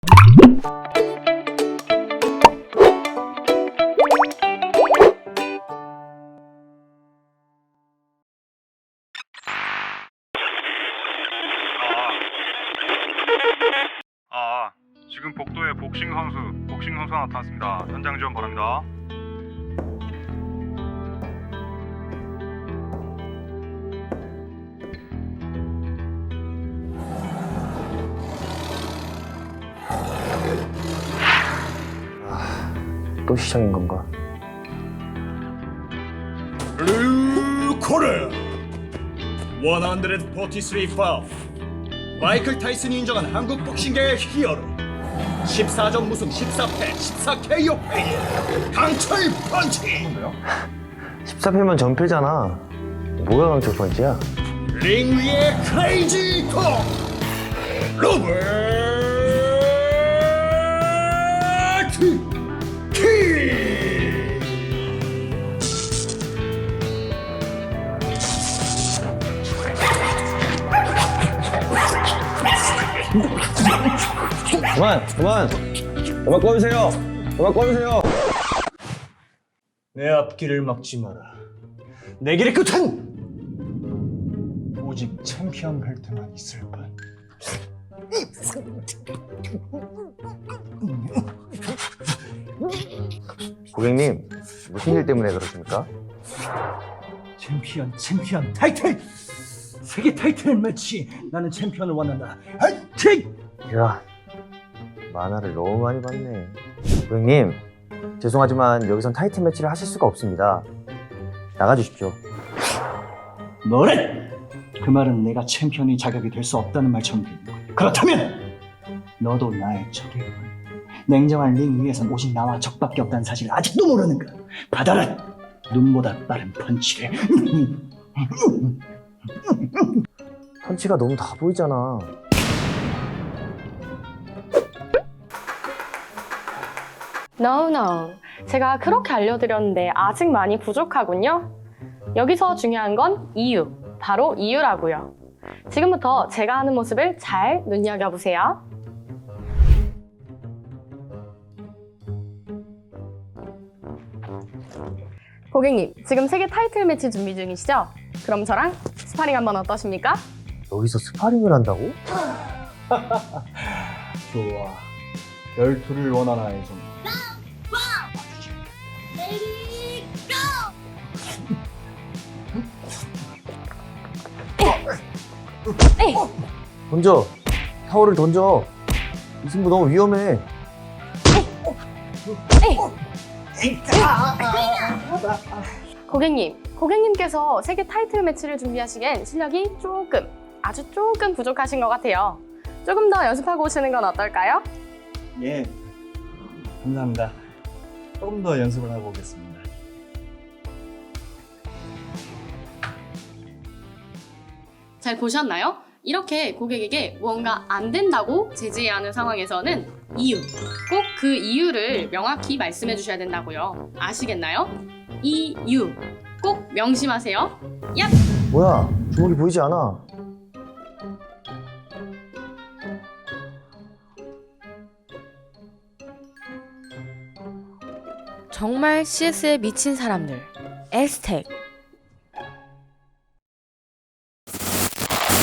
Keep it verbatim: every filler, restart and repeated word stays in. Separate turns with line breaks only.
아, 지금 복도에 복싱 선수, 복싱 선수가 나타났습니다. 현장 지원 바랍니다.
또 시작인 건가?
블루 코너 백사십삼 파울. 마이클 타이슨이 인정한 한국 복싱계의 히어로. 십사 전 무승 십사 패 십사 케이오 페이 강철 펀치.
십사 패면 전패잖아. 뭐가 강철 펀치야?
링 위의 크레이지 콩 로버트 키.
그만! 그만! 그만 꺼주세요! 그만 꺼주세요!
내 앞길을 막지 마라. 내 길의 끝은 오직 챔피언 벨트만 있을 뿐.
고객님, 무슨 일 때문에 그러십니까?
챔피언 챔피언 타이틀! 세계 타이틀 매치! 나는 챔피언을 원한다. 화이팅!
이야, 만화를 너무 많이 봤네. 고객님, 죄송하지만 여기선 타이틀 매치를 하실 수가 없습니다. 나가주십시오.
뭐래? 그 말은 내가 챔피언의 자격이 될 수 없다는 말처럼 들리고, 그렇다면 너도 나의 적이군. 냉정한 링 위에선 오직 나와 적밖에 없다는 사실을 아직도 모르는가? 받아라! 눈보다 빠른 펀치를.
펀치가 너무 다 보이잖아.
No, no. 제가 그렇게 알려드렸는데 아직 많이 부족하군요. 여기서 중요한 건 이유, 바로 이유라고요. 지금부터 제가 하는 모습을 잘 눈여겨보세요. 고객님, 지금 세계 타이틀 매치 준비 중이시죠? 그럼 저랑 스파링 한번 어떠십니까?
여기서 스파링을 한다고?
좋아. 열투를 원하나 해서.
에이!
던져! 타월을 던져! 이 승부 너무 위험해.
고객님, 고객님께서 세계 타이틀 매치를 준비하시기엔 실력이 조금, 아주 조금 부족하신 것 같아요. 조금 더 연습하고 오시는 건 어떨까요?
예. 감사합니다. 조금 더 연습을 하고 오겠습니다.
잘 보셨나요? 이렇게 고객에게 무언가 안 된다고 제지해야 하는 상황에서는 이유, 꼭 그 이유를 명확히 말씀해 주셔야 된다고요. 아시겠나요? 이유, 꼭 명심하세요. 얍!
뭐야, 주먹이 보이지 않아.
정말 씨에스에 미친 사람들 에스텍